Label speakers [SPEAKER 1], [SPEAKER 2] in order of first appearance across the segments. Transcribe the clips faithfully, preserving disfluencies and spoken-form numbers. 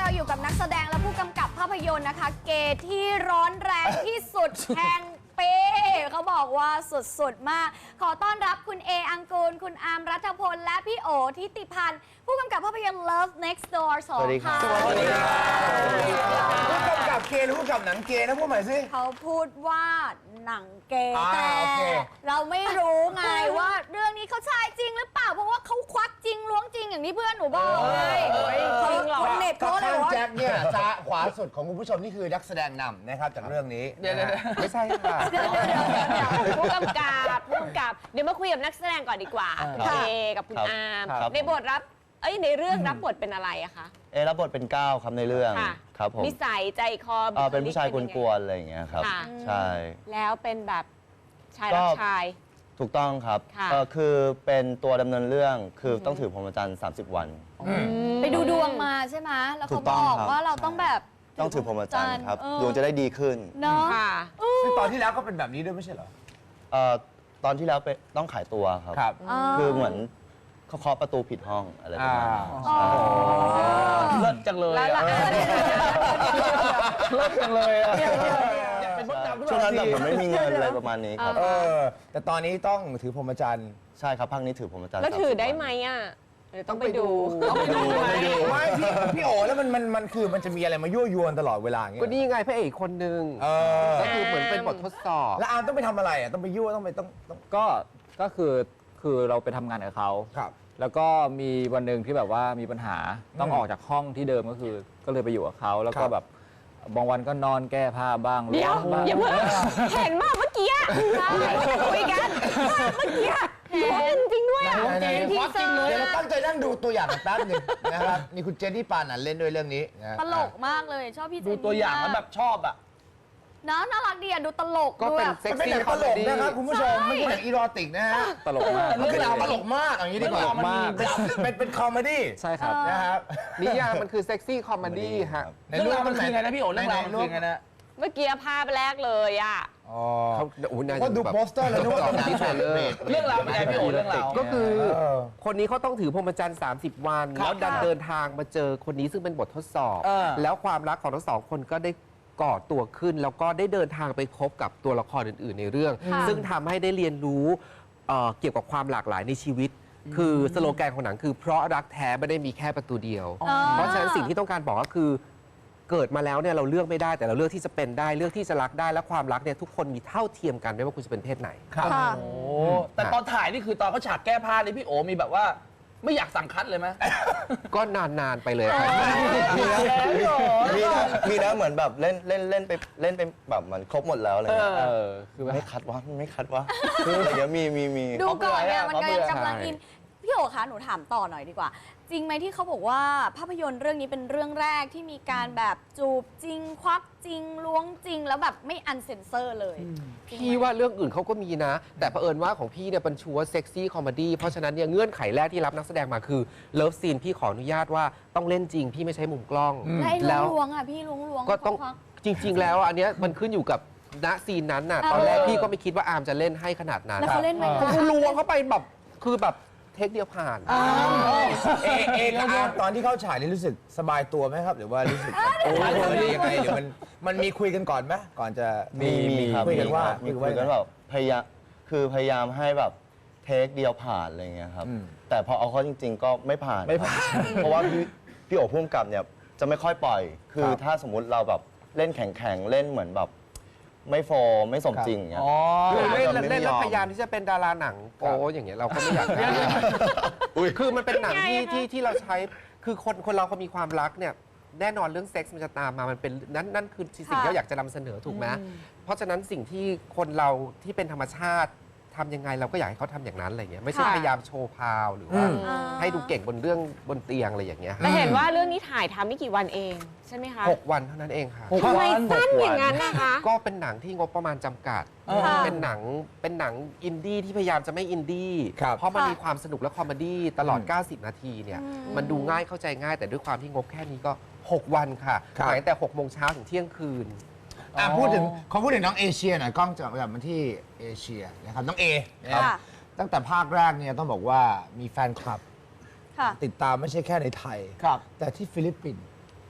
[SPEAKER 1] เราอยู่กับนักแสดงและผู้กำกับภาพยนตร์นะคะเกย์ที่ร้อนแรงที่สุด แห่งปีเขาบอกว่าสุดๆมากขอต้อนรับคุณเออังกูลคุณอาร์มรัฐพลและพี่โอทิติพันธ์ผู้กำกับภาพยนตร์ Love Next Door สองค่ะ
[SPEAKER 2] สวัสดีครับผู้กำกับเกย์หรือผู้กำกับหนังเกย์นะพูดใหม่สิ
[SPEAKER 1] เขาพูดว่าหนังเกย์
[SPEAKER 2] อ่า
[SPEAKER 1] แต่
[SPEAKER 2] โอเค
[SPEAKER 1] เราไม่รู้ไงว่าเรื่องนี้เขาชายจริงหรือเปล่าเพราะว่าเขาควักจริงล้วงจริงอย่างที่เพื่อนหนูบอกเลยเขาคนเน็ต
[SPEAKER 2] ก็
[SPEAKER 1] เขาเลย
[SPEAKER 2] ข้าง
[SPEAKER 1] ว่า
[SPEAKER 2] แจ็คเนี่ยซ้ายขวาสุดของคุณผู้ชมนี่คือนักแสดงนำนะครับจากเรื่องนี้เดี๋ยวไม่ใช่ค่ะ
[SPEAKER 3] ผู้กำกับผู้กำกับเดี๋ยวมาคุยกับนักแสดงก่อนดีกว่าคุณเอกับคุณอาร์ม
[SPEAKER 4] ครับ
[SPEAKER 3] ในบทรับเอ้ยในเรื่องรับบทเป็นอะไรอะคะ
[SPEAKER 4] เอรับบทเป็นก้าวครับในเรื่อง
[SPEAKER 3] ค่ะ
[SPEAKER 4] ครับผม
[SPEAKER 3] นิสัยใจคอ
[SPEAKER 4] เอ่อเป็นผู้ชายก
[SPEAKER 3] บุคลิ
[SPEAKER 4] วนๆอะไรอย่างเงี้ยครับ
[SPEAKER 3] ค่ะ
[SPEAKER 4] ใช่
[SPEAKER 3] แล้วเป็นแบบชาย
[SPEAKER 4] ก็
[SPEAKER 3] รักชาย
[SPEAKER 4] ถูกต้องครับ
[SPEAKER 3] ค่ะ
[SPEAKER 4] เอ่อคือเป็นตัวดำเนินเรื่องคือต้องถือพรหมจรรย์สามสิบวัน
[SPEAKER 1] ไปดูดวงมาใช่ไหมแล้ว
[SPEAKER 4] ถู
[SPEAKER 1] เขา
[SPEAKER 4] กต้
[SPEAKER 1] บ
[SPEAKER 4] อง
[SPEAKER 1] อก
[SPEAKER 4] ครับ
[SPEAKER 1] ว่าเราต้องแบบ
[SPEAKER 4] ต้องถือพรหมจรรย์ครับ
[SPEAKER 1] เออ
[SPEAKER 4] ดวงจะได้ดีขึ้น
[SPEAKER 1] เนาะ
[SPEAKER 3] ค่ะ
[SPEAKER 2] ซึ่งตอนที่แล้วก็เป็นแบบนี้ด้วยไม่ใช่เหรอ
[SPEAKER 4] เอ่อตอนที่แล้วไปต้องขายตัวครับ
[SPEAKER 2] ครับ
[SPEAKER 4] คือเหมือนเขาเคาะประตูผิดห้องอะไรประมาณนี้
[SPEAKER 2] อ่า
[SPEAKER 4] ใช่
[SPEAKER 5] เลิศจังเลย
[SPEAKER 3] แล้ว
[SPEAKER 5] อะ
[SPEAKER 3] ล่ะ
[SPEAKER 5] เลิศจังเลยอะเป็นมด
[SPEAKER 4] ใช่
[SPEAKER 5] ดำหรือเป
[SPEAKER 4] ช่วง
[SPEAKER 5] ล่า
[SPEAKER 4] นั้นแบบผมไม่มีเงินอะไรประมาณนี้ครับ
[SPEAKER 2] เออแต่ตอนนี้ต้องถือพรหมจรรย์
[SPEAKER 4] ใช่ครับภาคนี้ถือพรหมจรรย์
[SPEAKER 3] แล้วถือ
[SPEAKER 4] สามสิบ
[SPEAKER 3] ได้
[SPEAKER 4] วัน
[SPEAKER 3] ไหมอะเดี๋ยวต้องไปดู
[SPEAKER 5] ต้องไปดูไหม
[SPEAKER 2] ไม่พี่พี่โอแล้วมันมันมันคือมันจะมีอะไรมายั่วยวนตลอดเวลาอย่างเงี้ย
[SPEAKER 6] ก็นี่ไงพระเอกคนหนึ่ง
[SPEAKER 2] เออ
[SPEAKER 6] ก็คือเหมือนเป็นบททดสอบ
[SPEAKER 2] แล้วอาร์มต้องไปทำอะไรอ่ะต้องไปยั่วต้องไปต้องต้อง
[SPEAKER 5] ก็ ก็คือ คือเราไปทำงานกับเขา
[SPEAKER 2] ครับ
[SPEAKER 5] แล้วก็มีวันหนึ่งที่แบบว่ามีปัญหา ต้องออกจากห้องที่เดิมก็คือ ก็เลยไปอยู่กับเขา แล้ว
[SPEAKER 2] ค
[SPEAKER 5] ก็
[SPEAKER 2] รับ
[SPEAKER 5] แบบ บางวันก็นอนแก้ผ้าบ้าง
[SPEAKER 3] เดี๋ยว
[SPEAKER 5] บ้าง
[SPEAKER 3] อย่าเพิ่งเห็นว่าเมื่อกี้ใช่คุยกันเมื่อกี้ล้วงจริงด้วยอะ
[SPEAKER 2] ไหนๆ
[SPEAKER 1] ทีเซอร์
[SPEAKER 2] เดี๋ยวเราตั้งใจนั่งดูตัวอย่างกันแป๊บหนึงนะครับนี่คุณเจนนี่ปานันเล่นด้วยเรื่องนี้นะ
[SPEAKER 1] ตลกมากเลยชอบพี่เจน
[SPEAKER 5] ดู
[SPEAKER 1] นี่
[SPEAKER 5] ตัวอย่างแล้ว
[SPEAKER 1] มก
[SPEAKER 5] แบบชอบอะ
[SPEAKER 1] เนาะน่ารักดีอ่ะดูตลก
[SPEAKER 6] ก็
[SPEAKER 1] ดู
[SPEAKER 6] เป็น
[SPEAKER 1] แบบ
[SPEAKER 6] เซ็ก
[SPEAKER 2] มันเป็นห
[SPEAKER 6] ซี่
[SPEAKER 2] นัง
[SPEAKER 6] ค
[SPEAKER 2] ต
[SPEAKER 6] อม
[SPEAKER 2] ล
[SPEAKER 6] เม
[SPEAKER 2] ก
[SPEAKER 6] ดี้
[SPEAKER 2] นะครับคุณผู้ชมไม่ใช่หนังอีโรติกนะฮะ
[SPEAKER 5] ตลกมาก
[SPEAKER 2] มันคือหนังตลกมากอย่างนี้ดีกว่า
[SPEAKER 5] ตลกมาก
[SPEAKER 2] เป็นเป็นเป็นคอมเมดี้
[SPEAKER 5] ใช่ครับ
[SPEAKER 2] นะครับ
[SPEAKER 6] นิยามมันคือเซ็กซี่คอมเมดี้ฮะ
[SPEAKER 2] ใน
[SPEAKER 5] เรื่องราวมันคือไงนะพี่โอ๋เรื่องราวมัน
[SPEAKER 2] ไห
[SPEAKER 5] คือไงนะ
[SPEAKER 3] เมื่อกี้ภาพแรกเลยอะ
[SPEAKER 2] อ๋อ
[SPEAKER 6] เขาโอ้โหน่าจะ
[SPEAKER 2] ก็ดู
[SPEAKER 6] แบบ
[SPEAKER 2] โปสเตอร์แล้วนึกว่าเป็นหนัง
[SPEAKER 6] ที่เทรลเลอร์
[SPEAKER 5] เรื่องราวเป็นไงพี่โอ๋เรื่องราว
[SPEAKER 6] ก็คือ
[SPEAKER 2] เออ
[SPEAKER 6] คนนี้เขาต้องถือพรหมจรรย์สามสิบ วัน
[SPEAKER 5] ครับ
[SPEAKER 6] แล้วดันเดินทางมาเจอคนนี้ซึ่งเป็นบททดสอบ
[SPEAKER 5] เออ
[SPEAKER 6] แล้วความรักของทั้งสองคนก็ได้ก่อตัวขึ้น แล้วก็ได้เดินทางไปพบกับตัวละครอื่น ๆ ในเรื่อง
[SPEAKER 1] ค่ะ
[SPEAKER 6] ซึ่งทำให้ได้เรียนรู้เอ่อเกี่ยวกับความหลากหลายในชีวิต คือสโลแกนของหนังคือเพราะรักแท้ไม่ได้มีแค่ประตูเดียว
[SPEAKER 1] อ๋อ
[SPEAKER 6] เพราะฉะนั้นสิ่งที่ต้องการบอกก็คือเกิดมาแล้วเนี่ยเราเลือกไม่ได้แต่เราเลือกที่จะเป็นได้เลือกที่จะรักได้และความรักเนี่ยทุกคนมีเท่าเทียมกันไม่ว่าคุณจะเป็นเพศไหน
[SPEAKER 2] ครับ
[SPEAKER 1] ค่ะ
[SPEAKER 5] โอ้แต่ตอนถ่ายนี่คือตอนเขาฉากแก้ผ้านี่พี่โอ๋มีแบบว่า ไม่อยากสั่งคัดเลยไหม
[SPEAKER 6] ก็นาน ๆ ไปเลยครับ
[SPEAKER 4] มีนะ
[SPEAKER 5] พี่โอ๋
[SPEAKER 4] มีนะมีนะเหมือนแบบเล่นเล่นเล่นไปเล่นไปแบบเหมือนครบหมดแล้วอะไรเงี้ย
[SPEAKER 5] เออ คือแบบ
[SPEAKER 4] ไม่คัดวะไม่คัดวะคือเดี๋ยวมีมีมี
[SPEAKER 1] ดูก่อนเนี่ย
[SPEAKER 5] เขา
[SPEAKER 1] มัน
[SPEAKER 5] เบื่อ
[SPEAKER 1] กำลัง
[SPEAKER 6] ใช่
[SPEAKER 1] อินพี่โอคะหนูถามต่อหน่อยดีกว่า จริงไหมที่เขาบอกว่าภาพยนตร์เรื่องนี้เป็นเรื่องแรกที่มีการแบบจูบจริง ควักจริงล้วงจริง แล้วแบบไม่อันเซนเซอร์เลยจริงไหม
[SPEAKER 6] พี่ว่าเรื่องอื่นเขาก็มีนะ แต่เผอิญว่าของพี่เนี่ยเป็นชัวร์เซ็กซี่คอมเมดี้เพราะฉะนั้นเนี่ยเงื่อนไขแรกที่รับนักแสดงมาคือเลิฟซีนพี่ขออนุญาตว่าต้องเล่นจริง พี่ไม่ใช้มุมกล้อง
[SPEAKER 1] แล้วไอ้
[SPEAKER 6] แล้ว
[SPEAKER 1] ล้วงๆอ่ะพี่ล้วงล้วงๆ
[SPEAKER 6] ก็ต้อง
[SPEAKER 1] ควัก
[SPEAKER 6] จริง ๆ แล้วอันเนี้ยมันขึ้นอยู่กับณซีนนั้นน่ะ
[SPEAKER 1] เออ
[SPEAKER 6] ตอนแรกพี่ก็ไม่คิดว่าอาร์มจะเล่นให้ขนาดนั้น
[SPEAKER 1] แล้วเขาเล่นไหม
[SPEAKER 6] เขาล้วงเข้าไปแบบคือแบบเทคเดียวผ่าน
[SPEAKER 2] เอเอกับอาร์มตอนที่เข้าฉายนี่รู้สึกสบายตัวไหมครับ หรือว่ารู้สึกโอ้ยยังไงหรือมันมันมีคุยกันก่อนไหมก่อนจะ
[SPEAKER 4] มีมีครับ
[SPEAKER 2] คุยกันว่า
[SPEAKER 4] มีคุยกันแบบพยายามคือพยายามให้แบบเทคเดียวผ่านอะไรเงี้ยครับ
[SPEAKER 2] อืม
[SPEAKER 4] แต่พอเอาเข้าจริง ๆ ก็ไม่ผ่าน
[SPEAKER 5] ไม่ผ่าน
[SPEAKER 4] เพราะว่าพี่พี่โอ๋พุ่มกับเนี่ยจะไม่ค่อยปล่อย คือถ้าสมมุติเราแบบเล่นแข็งๆเล่นเหมือนแบบไม่โฟร์ไม่สมจริงอย่างเงี้ย
[SPEAKER 5] อ๋อ
[SPEAKER 6] คือเล่น
[SPEAKER 4] ไม่
[SPEAKER 6] เล่นแล้ว
[SPEAKER 4] ยอม
[SPEAKER 6] พยายามที่จะเป็นดาราหนังโป๊อย่างเงี้ยเราก็ไม่อยากได้คือมันเป็นหนังที่ที่ที่เราใช้คือคนคนเราเขามีความรักเนี่ยแน่นอนเรื่องเซ็กส์มันจะตามมามันเป็นนั่นนั่นคือสิ่งที่เราอยากจะนำเสนอถูกไหมเพราะฉะนั้นสิ่งที่คนเราที่เป็นธรรมชาติทำยังไงเราก็อยากให้เขาทำอย่างนั้นอะไรเงี้ยไม่ใช่
[SPEAKER 1] ค่ะ
[SPEAKER 6] พยายามโชว์พาวหรือว่า
[SPEAKER 1] อ่า
[SPEAKER 6] ให้ดูเก่งบนเรื่องบนเตียงอะไรอย่างเงี้ย
[SPEAKER 3] แต่เห็นว่าเรื่องนี้ถ่ายทำไม่กี่วันเองใช่ไหมคะ
[SPEAKER 6] หกวันเท่านั้นเองค่ะ
[SPEAKER 5] หก
[SPEAKER 3] ทำไม
[SPEAKER 5] วัน
[SPEAKER 3] สั้นอย่างนั้นนะคะ
[SPEAKER 6] ก็เป็นหนังที่งบประมาณจำกัด
[SPEAKER 1] ค่ะ
[SPEAKER 6] เป็นหนังเป็นหนังอินดี้ที่พยายามจะไม่อินดี้
[SPEAKER 2] ครับ
[SPEAKER 6] เพราะมัน
[SPEAKER 1] ค่ะ
[SPEAKER 6] มีความสนุกและคอมเมดี้ตลอด
[SPEAKER 2] อืม
[SPEAKER 6] เก้าสิบ นาทีเนี่ย
[SPEAKER 1] อืม
[SPEAKER 6] มันดูง่ายเข้าใจง่าย แต่ด้วยความที่งบแค่นี้ก็ หก วันค่ะ
[SPEAKER 2] ครับ
[SPEAKER 6] ถ่ายตั้งแต่หกโมงเช้าถึงเที่ยงคืน
[SPEAKER 2] อ่ะพูดถึงเขาพูดถึงน้องเอเชียหน่อยกล้องจะกลับมาที่เอเชียนะครับน้องเอนะครับ
[SPEAKER 1] ค่ะ
[SPEAKER 2] ตั้งแต่ภาคแรกเนี่ยต้องบอกว่ามีแฟนคลับ
[SPEAKER 1] ค่ะ
[SPEAKER 2] ติดตามไม่ใช่แค่ในไทย
[SPEAKER 5] ครับ
[SPEAKER 2] แต่ที่ฟิลิปปินส์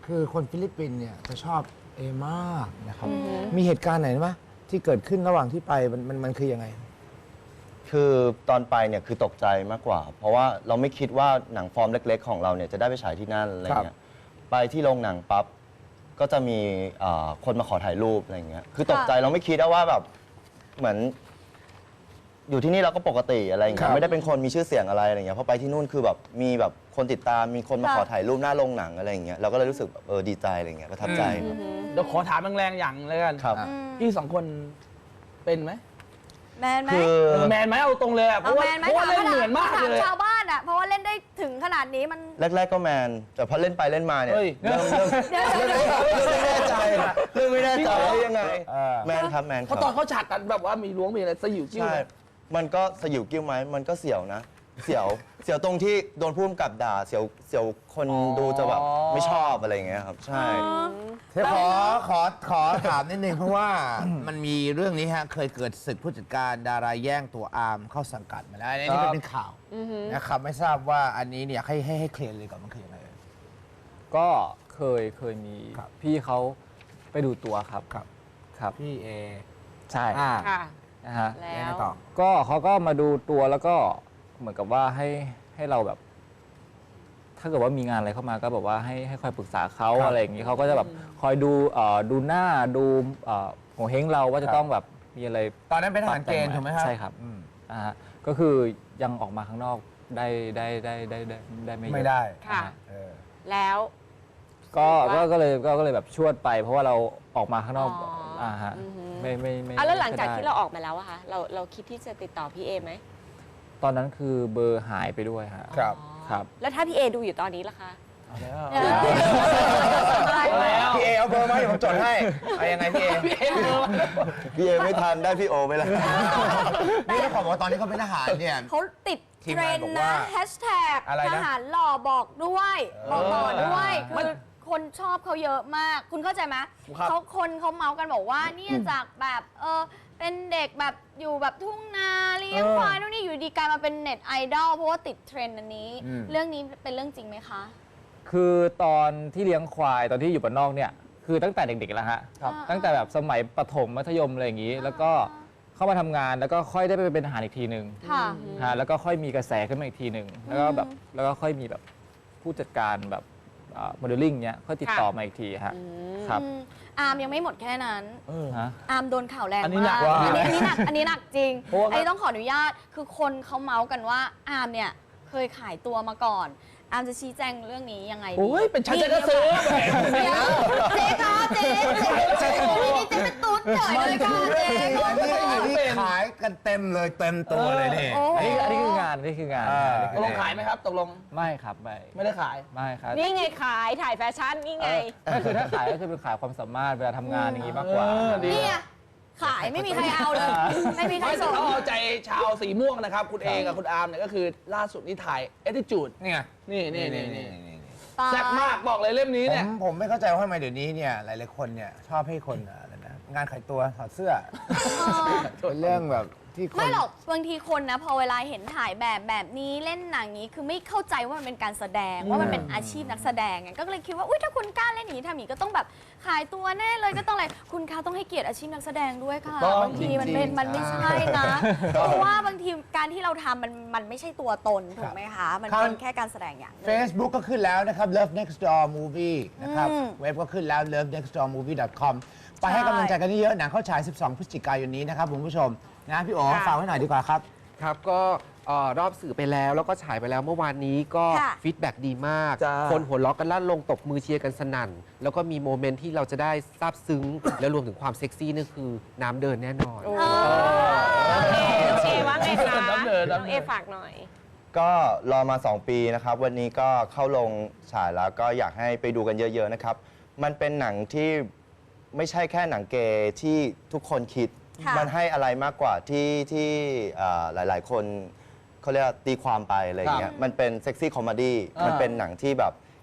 [SPEAKER 2] คือคนฟิลิปปินส์เนี่ยจะชอบเอมากนะครับ มีเหตุการณ์ไหนไหมที่เกิดขึ้นระหว่างที่ไปมันมันมันคือยังไง
[SPEAKER 4] คือตอนไปเนี่ยคือตกใจมากกว่า เพราะว่าเราไม่คิดว่าหนังฟอร์มเล็ก ๆ ของเราเนี่ยจะได้ไปฉายที่นั่นอะไรเงี้ยไปที่โรงหนังปั๊บก็จะมีเอ่อคนมาขอถ่ายรูปอะไรเงี้ยคือตกใจเราไม่คิดว่าแบบเหมือน อยู่ที่นี่เราก็ปกติอะไรอย่างเงี้ยไม่ได้เป็นคนมีชื่อเสียงอะไรอะไรเงี้ยพอไปที่นู่นคือแบบมีแบบคนติดตามมีคนมาขอถ่ายรูปหน้าโรงหนังอะไรอย่างเงี้ยเราก็เลยรู้สึกแบบเออดีใจอะไรเงี้ยประทับใจครับ
[SPEAKER 7] เดี๋ยวขอถามแรงๆอย่างเลยกัน
[SPEAKER 4] ครับ
[SPEAKER 7] พี่สองคนเป็นไหม
[SPEAKER 1] แมนไหม
[SPEAKER 4] คือ
[SPEAKER 7] เออแมนไหมเอาตรงเลยอะเพ
[SPEAKER 1] เอา
[SPEAKER 7] ราะว่า
[SPEAKER 1] แมนไหม
[SPEAKER 7] เพราะว่า
[SPEAKER 1] ถาม
[SPEAKER 7] เล่นเหมือนมาก
[SPEAKER 1] ถาม
[SPEAKER 7] เลย
[SPEAKER 1] ชาวบ้านอ่ะ เพราะว่าเล่นได้ถึงขนาดนี้มัน
[SPEAKER 4] แรก ๆ ก็แมน แต่พอเล่นไปเล่นมาเนี่ย
[SPEAKER 7] เฮ้ย
[SPEAKER 4] เริ่มเริ่ม
[SPEAKER 1] เดี๋ยวเดี๋ยวเดี๋ยว
[SPEAKER 4] เริ่มไม่แน่ใจเริ่มไม่แน่ใจว่ายังไง
[SPEAKER 2] เออ
[SPEAKER 4] แมนครับแมนค
[SPEAKER 7] เพราะ
[SPEAKER 4] รับ
[SPEAKER 7] ตอนเขาฉากกันแบบว่ามีล้วงมีอะไรสยิวจิ้ว
[SPEAKER 4] ใช่ มันก็สยิวกิ้วไหมมันก็เสียวนะ เสียวเสียวตรงที่โดนพุ่มกับด่าเสียวเสียวคนดูจะแบบไม่ชอบอะไรอย่างเงี้ยครับใช่
[SPEAKER 2] เดี๋ยวขอขอขอถามนิดนึงเพราะว่ามันมีเรื่องนี้ฮะเคยเกิดศึกผู้จัดการดาราแย่งตัวอาร์มเข้าสังกัดมาแล้วอันนี้มันเป็นข่าวนะครับไม่ทราบว่าอันนี้เนี่ยให้ให้ให้เคลียร์เลยก่อนมันคือยังไง
[SPEAKER 5] ก็เคยเคยมี
[SPEAKER 2] ครับ
[SPEAKER 5] พี่เขาไปดูตัวครับ
[SPEAKER 2] ครับ
[SPEAKER 5] ครับ
[SPEAKER 2] พี่เอ
[SPEAKER 5] ใช่
[SPEAKER 2] อ่า
[SPEAKER 3] ค่ะ
[SPEAKER 5] นะฮะ
[SPEAKER 3] แล้
[SPEAKER 2] ยังไง
[SPEAKER 3] ว
[SPEAKER 2] ต่อ
[SPEAKER 5] ก็เขาก็มาดูตัวแล้วก็เหมือนกับว่าให้ให้เราแบบ ถ้าเกิดว่ามีงานอะไรเข้ามาก็แบบว่าให้ให้คอยปรึกษาเขา
[SPEAKER 2] ครับ
[SPEAKER 5] อะไรอย่างนี้เขาก็จะแบบคอยดูเอ่อดูหน้าดูเอ่อหัวเฮงเราว่าจะต้องแบบมีอะไร
[SPEAKER 2] ตอนนั้นเป็นทหารเกณฑ์ถูกไหมครับ
[SPEAKER 5] ใช่ครับ
[SPEAKER 2] อืม
[SPEAKER 5] นะฮะก็คือยังออกมาข้างนอกได้ได้ได้ได้ได้ได้ไม่เยอะ
[SPEAKER 2] ไม่ได้
[SPEAKER 3] ค่ะ
[SPEAKER 5] นะฮะ
[SPEAKER 2] เออ
[SPEAKER 3] แล้ว
[SPEAKER 5] ก็
[SPEAKER 3] ว่า
[SPEAKER 5] ก็ก็เลยก็ก็เลยแบบชวดไป เพราะว่าเราออกมาข้างนอก
[SPEAKER 3] อ๋ออ่
[SPEAKER 5] อ่าฮะ
[SPEAKER 3] อือหือ
[SPEAKER 5] ไม่ไม่ไม่
[SPEAKER 3] อ่ะแล้วหลังจาก
[SPEAKER 5] ไม่ได้
[SPEAKER 3] ที่เราออกมาแล้วอะคะเราเราคิดที่จะติดต่อพี่เอไหม
[SPEAKER 5] ตอนนั้นคือเบอร์หายไปด้วยฮะ
[SPEAKER 2] ครับ
[SPEAKER 3] อ๋อ
[SPEAKER 5] ครับ
[SPEAKER 3] แล้วถ้าพี่เอดูอยู่ตอนนี้ล่ะคะ
[SPEAKER 1] เดี๋ยว
[SPEAKER 7] แล้ว
[SPEAKER 2] พี่เอเอาเบอร์มาเดี๋ยวผมจดให้เอายังไงพี่เอ
[SPEAKER 7] พี่เอเออ
[SPEAKER 4] พี่เอไม่ทันได้พี่โอไปแล้ว
[SPEAKER 2] นี่ต้องขอบอกว่าตอนนี้เขาเป็นทหารเนี่ย
[SPEAKER 1] เขาติด
[SPEAKER 2] ทีม
[SPEAKER 1] เทรง
[SPEAKER 2] าน
[SPEAKER 1] น
[SPEAKER 2] บอก
[SPEAKER 1] นะ
[SPEAKER 2] ว่า
[SPEAKER 1] แฮชแท็ก
[SPEAKER 2] อะไรนะ
[SPEAKER 1] ทหารหล่อบอกด้วยบอกต่อด้วย
[SPEAKER 7] มั
[SPEAKER 1] คื
[SPEAKER 7] น
[SPEAKER 1] อคนชอบเขาเยอะมาก คุณเข้าใจไหม
[SPEAKER 7] ครับ
[SPEAKER 1] เขาคนเขาเมาส์กันบอกว่าเนี่ยจากแบบเออเป็นเด็กแบบอยู่แบบทุ่งนาเลี้ยงควายนู่นนี่อยู่ดีกลายมาเป็นเน็ตไอดอลเพราะว่าติดเทรนด์อันนี้
[SPEAKER 2] อืม
[SPEAKER 1] เรื่องนี้เป็นเรื่องจริงไหมคะ
[SPEAKER 5] คือตอนที่เลี้ยงควายตอนที่อยู่บ้านนอกเนี่ยคือตั้งแต่เด็กๆแล้วฮะ
[SPEAKER 1] ครับ
[SPEAKER 5] ตั้งแต่แบบสมัยประถมมัธยมอะไรอย่างนี้ แล้วก็เข้ามาทำงานแล้วก็ค่อยได้ไปเป็นทหารอีกทีหนึ่ง
[SPEAKER 1] ค่ะ
[SPEAKER 5] ฮะแล้วก็ค่อยมีกระแสขึ้นมาอีกทีหนึ่งแล้วก็แบบแล้วก็ค่อยมีแบบผู้จัดการแบบโมเดลลิ่งเนี้ยค่อยติดต่อมาอีกทีฮะครับ
[SPEAKER 1] อืมอาร์มยังไม่หมดแค่นั้น
[SPEAKER 5] ฮะ
[SPEAKER 1] อาร์มโดนข่าวแรง
[SPEAKER 7] อันนี้หนั
[SPEAKER 1] มาก ก
[SPEAKER 7] ว่า
[SPEAKER 1] อันนี้อันนี้หนักอันนี้หนักจริง
[SPEAKER 7] เพราะว่า
[SPEAKER 1] อันนี้ต้องขออนุญาตคือคนเขาเมาส์กันว่าอาร์มเนี่ยเคยขายตัวมาก่อน อาร์มจะชี้แจงเรื่องนี้ยังไงดี
[SPEAKER 7] โอ้ยเป็นฉันจะก็ซื้อ
[SPEAKER 1] เดี๋ยวเจ๊คะเจ๊เจ๊โอ้ยนี่เจ๊เป็นตุ๊ดเฉยเลยค่ะเจ๊
[SPEAKER 2] อันนี้อันนี้ขายกันเต็มเลยเต็มตัวเลยนี่
[SPEAKER 1] โอ้
[SPEAKER 5] อันนี้อันนี้คืองานอันนี้คืองาน
[SPEAKER 2] อ่า
[SPEAKER 5] อันนี้
[SPEAKER 7] ต
[SPEAKER 5] คื
[SPEAKER 7] ก
[SPEAKER 5] อ
[SPEAKER 7] ล
[SPEAKER 5] ง
[SPEAKER 7] ง
[SPEAKER 5] งาน
[SPEAKER 7] ขายไหมครับตกลง
[SPEAKER 5] ไม่ครับไม่
[SPEAKER 7] ไม่ได้ขาย
[SPEAKER 5] ไม่ครับ
[SPEAKER 3] นี่ไงขายถ่ายแฟชั่นนี่ไง
[SPEAKER 5] ก็คือถ้าขายก็คือเป็นขายความสามารถเวลาทำงานอย่างนี้มากกว่า
[SPEAKER 7] เออดี
[SPEAKER 1] เนี่ยขายไม่มีใครเอาเลย ไม่มีใคร
[SPEAKER 7] ไม่
[SPEAKER 1] ส่ง
[SPEAKER 7] เขาเอาใจชาวสีม่วงนะครับ คุณเอกับคุณอาร์มเนี่ยก็คือล่าสุดนี่ถ่าย Attitude
[SPEAKER 2] นี่ไง
[SPEAKER 7] นี่นี่นี่นี่
[SPEAKER 2] นี่
[SPEAKER 1] ตาย
[SPEAKER 7] แซ่บมากบอกเลยเล่มนี้
[SPEAKER 2] ผ
[SPEAKER 7] เนี่ย
[SPEAKER 2] มผมไม่เข้าใจว่าทำไมเดี๋ยวนี้เนี่ยหลายๆคนเนี่ยชอบให้คนอะไรนะงานขายตัวถอดเสื้อเป็นเรื่องแบบที่คน
[SPEAKER 1] ไม่หรอกบางทีคนนะพอเวลาเห็นถ่ายแบบแบบนี้เล่นหนังนี้คือไม่เข้าใจว่ามันเป็นการแสดงว่ามันเป็นอาชีพนักแสดงไงก็เลยคิดว่าอุ้ยถ้าคุณกล้าเล่นอย่างนี้ทำอย่างนี้ก็ต้องแบบขายตัวแน่เลยก็ต้องอะไรคุณคะต้องให้เกียรติอาชีพนักแสดงด้วยค่ะ
[SPEAKER 7] ต้อง
[SPEAKER 1] บางทีมันเป็น
[SPEAKER 7] จริงๆ
[SPEAKER 1] มันไม่ใช่นะเพราะว่าบางทีการที่เราทำมันมันไม่ใช่ตัวตนถูกไหมคะมันเป็นแค่การแสดงอย่างหนึ่ง
[SPEAKER 2] Facebook ก็ขึ้นแล้วนะครับ Love Next Door Movie นะครับ
[SPEAKER 1] อืม
[SPEAKER 2] เว็บก็ขึ้นแล้ว ลอฟ เน็กซ์ ดอร์ มูฟวี่ ดอท คอม ไปให้กำลังใจกันเยอะๆหนังเข้าฉาย สิบสอง พฤศจิกายนนี้นะครับคุณผู้ชมนะพี่โอ๋
[SPEAKER 3] ค่ะ
[SPEAKER 2] ฝากไว้หน่อยดีกว่าครับ
[SPEAKER 6] ครับก็เอ่อรอบสื่อไปแล้วแล้วก็ฉายไปแล้วเมื่อวานนี้ก็
[SPEAKER 1] ค่ะ
[SPEAKER 6] ฟีดแบ็กดีมาก
[SPEAKER 7] จ้า
[SPEAKER 6] คนหัวเราะกันลั่นลงตบมือเชียร์กันสนั่น แล้วก็มีโมเมนต์ที่เราจะได้ซาบซึ้ง แล้วรวมถึงความเซ็กซี่นี่คือน้ำเดินแน่นอน
[SPEAKER 3] โอเคโอเคว่าไงคะ
[SPEAKER 7] น้ำเดิน
[SPEAKER 3] น้
[SPEAKER 7] น้ำ
[SPEAKER 3] อง
[SPEAKER 7] เดิน
[SPEAKER 3] เอฝากหน่อย
[SPEAKER 4] ก็รอมา สอง ปีนะครับ วันนี้ก็เข้าลงฉายแล้วก็อยากให้ไปดูกันเยอะ ๆ นะครับ มันเป็นหนังที่ไม่ใช่แค่หนังเกย์ที่ทุกคนคิด
[SPEAKER 1] ค่ะ
[SPEAKER 4] มันให้อะไรมากกว่าที่ที่เอ่อหลาย ๆ คนเขาเรียกว่าตีความไปอะไรอย่างเงี้ยมันเป็นเซ็กซี่คอมเมดี้
[SPEAKER 7] อ่ามั
[SPEAKER 4] มันเป็นหนังที่แบบ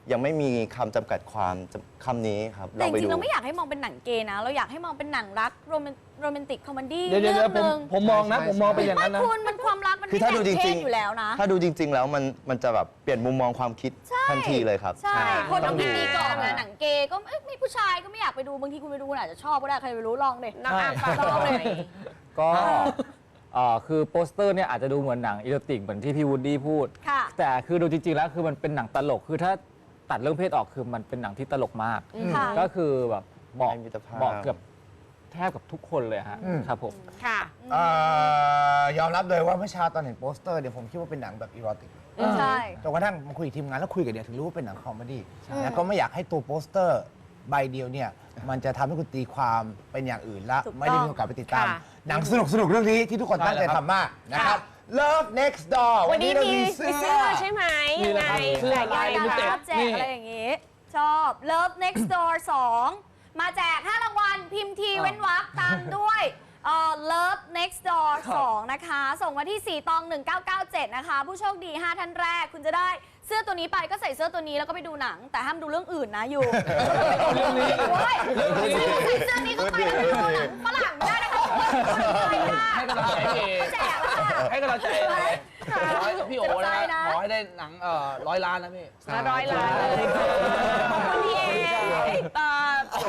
[SPEAKER 4] ยังไม่มีคำจำกัดความคำนี้ครับ
[SPEAKER 1] แต่จ
[SPEAKER 4] ไป
[SPEAKER 1] ริงๆ
[SPEAKER 4] ดู
[SPEAKER 1] เราไม่อยากให้มองเป็นหนังเกย์นะ เราอยากให้มองเป็นหนังรักโรแมนโรแมนติกคอมเมดี้
[SPEAKER 7] เดี๋ยวเดี๋ยว
[SPEAKER 1] เรื่
[SPEAKER 7] เดี๋
[SPEAKER 1] อย ง
[SPEAKER 7] วผม
[SPEAKER 1] หนึ่ง
[SPEAKER 7] ผมมองนะ
[SPEAKER 2] ใช่
[SPEAKER 7] ผมมองเป็นอย่าง
[SPEAKER 1] ไม่
[SPEAKER 7] นั้นนะ
[SPEAKER 1] คุณมันความรักมัน
[SPEAKER 4] คื
[SPEAKER 1] ไม่
[SPEAKER 4] อถ้า
[SPEAKER 1] แบ่
[SPEAKER 4] ดู
[SPEAKER 1] ง
[SPEAKER 4] จ
[SPEAKER 1] เพ
[SPEAKER 4] ริ
[SPEAKER 1] ศ
[SPEAKER 4] ง
[SPEAKER 1] อยู่แล้วนะ
[SPEAKER 4] ๆ ถ้าดูจริง ๆ แล้วมันมันจะแบบเปลี่ยนมุมมองความคิด
[SPEAKER 1] ใช่
[SPEAKER 4] ทันทีเลยครับ
[SPEAKER 1] ใช่
[SPEAKER 7] ใช่
[SPEAKER 1] คน
[SPEAKER 7] ต้
[SPEAKER 1] ต้
[SPEAKER 7] อ
[SPEAKER 1] อง ง
[SPEAKER 7] ดู
[SPEAKER 1] ตีกรอบนะหนังเกย์ก็เอ้ยมีผู้ชายก็ไม่อยากไปดูบางทีคุณไปดูคุณอาจจะชอบก็ได้ใครไปรู้ลองเลย
[SPEAKER 3] น้องอาร์มฝาก
[SPEAKER 1] ลอง
[SPEAKER 3] เล
[SPEAKER 1] เลย ย
[SPEAKER 5] ก็เอ่อคือโปสเตอร์เนี่ยอาจจะดูเหมือนหนังอีโรติกเหมือนที่พี่วูดดี้พูด
[SPEAKER 1] ค่ะ
[SPEAKER 5] แต่คือดูจริงๆแล้วคือมันเป็นหนังตลกคือถ้าตัดเรื่องเพศออกคือมันเป็นหนังที่ตลกมาก
[SPEAKER 1] ค่ะ
[SPEAKER 5] ก็คือแบบเหมาะ
[SPEAKER 4] ให้มิตรภาพ
[SPEAKER 5] เหมาะเกือบแทบกับทุกคนเลยฮะ
[SPEAKER 2] อืม
[SPEAKER 5] ครับผม
[SPEAKER 3] ค่ะ
[SPEAKER 2] เอ่อยอมรับเลยว่าเมื่อเช้าตอนเห็นโปสเตอร์เนี่ยผมคิดว่าเป็นหนังแบบอีโรติก
[SPEAKER 1] ใช่
[SPEAKER 2] จนกระทั่งมาคุยกับทีมงานแล้วคุยกับเดียถึงรู้ว่าเป็นหนังคอมเมดี้แล้วก็ไม่อยากให้ตัวโปสเตอร์ใบเดียวเนี่ยมันจะทำให้คุณตีความเป็นอย่างอื่นและ
[SPEAKER 1] ถูกต้อง
[SPEAKER 2] ไม่ได้มีโอกาสไปติดตาม
[SPEAKER 3] ค่ะ
[SPEAKER 2] หนังสนุกสนุกๆเรื่องนี้ที่ทุกคนตั้งใจทำมากนะครับ Love Next Door
[SPEAKER 3] วันนี้
[SPEAKER 2] เรา
[SPEAKER 3] มี
[SPEAKER 2] มี
[SPEAKER 3] มี
[SPEAKER 2] เสื้
[SPEAKER 3] เสื้อ
[SPEAKER 2] อ
[SPEAKER 3] ใช่ไหม
[SPEAKER 7] นี่
[SPEAKER 3] ยัง
[SPEAKER 7] แห
[SPEAKER 3] ไง
[SPEAKER 7] ละครับเสื้อ
[SPEAKER 3] แต่
[SPEAKER 7] ลาย
[SPEAKER 3] ยัง
[SPEAKER 7] ลิมิ
[SPEAKER 3] ไง
[SPEAKER 7] เต็ด
[SPEAKER 1] รับแจกอะไรอย่างงี้ ชอบ Love Next Door สองมาแจกห้ารางวัลพิมพ์ทีเว้นวรรคตามด้วยเอ่อ Love Next Door สองนะคะ ส่งมาที่ สี่ตองหนึ่งเก้าเก้าเจ็ดนะคะ ผู้โชคดี ห้า ท่านแรก คุณจะได้เสื้อตัวนี้ไปก็ใส่เสื้อตัวนี้แล้วก็ไปดูหนัง แต่ห้ามดูเรื่องอื่นนะอยู่เรื่องนี้ใส่เสื้อนี้เข้าไปแล้วไปดูหนังฝรั่งไม่ได้นะคะไม่ได้
[SPEAKER 7] ให้กำลังใจพี่เอ
[SPEAKER 1] แจกแล้วค่ะ
[SPEAKER 7] ให้กำลังใจขอให้พี่โอ๋นะ
[SPEAKER 1] เจ็บใจนะ
[SPEAKER 7] ขอให้ได้หนังเอ่อร้อยล้านนะพี่
[SPEAKER 3] ละร้อยล้านเลยขอบคุณพี่เอตอบ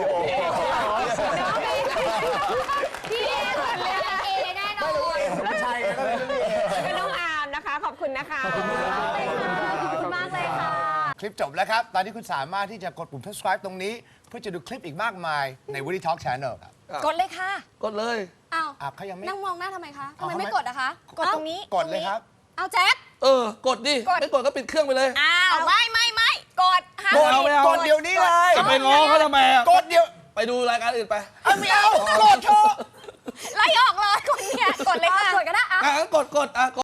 [SPEAKER 1] พี่เอคนเลือกเอแน่นอน
[SPEAKER 2] ใช่ก็เป็นเรื่องนี้
[SPEAKER 3] เป็นน้องอาร์มนะคะ ขอบคุณนะคะ
[SPEAKER 1] ขอบคุณมากเลยค่ะ
[SPEAKER 2] คลิปจบแล้วครับ ตอนนี้คุณสามารถที่จะกดปุ่ม subscribe ตรงนี้ เพื่อจะดูคลิปอีกมากมายใน Woody Talk Channel ครับ
[SPEAKER 1] กดเลยค่ะ
[SPEAKER 7] กดเลย
[SPEAKER 1] อ้าว
[SPEAKER 2] อ่ะเขายังไม่
[SPEAKER 1] นั่งมองหน้าทำไมคะทำไม
[SPEAKER 2] เอา
[SPEAKER 1] ไม่
[SPEAKER 2] ทำไม
[SPEAKER 1] กดอะคะ กดตรงนี้
[SPEAKER 2] กดเลยครับ
[SPEAKER 1] เอาแจ็ค
[SPEAKER 7] เออกดดิ ไม่กดก็ปิดเครื่องไปเลย
[SPEAKER 1] อ้าวไม่ไม่ไม่กดห้าม
[SPEAKER 7] กดเอาไม่เอา
[SPEAKER 2] กดเดี๋ยวนี้เลย
[SPEAKER 7] จะไปง้อเขาทำไมอ่ะ
[SPEAKER 2] กดเดี๋ยว
[SPEAKER 7] ไปดูรายการอื่นไป
[SPEAKER 2] เอาไม่เอา กดเถอะ
[SPEAKER 1] ไล่ออกเลยกดเนี่ย กดเลยค่ะ กดก็ได้อะ
[SPEAKER 7] อ่ะงั้นกดกดอ่ะกด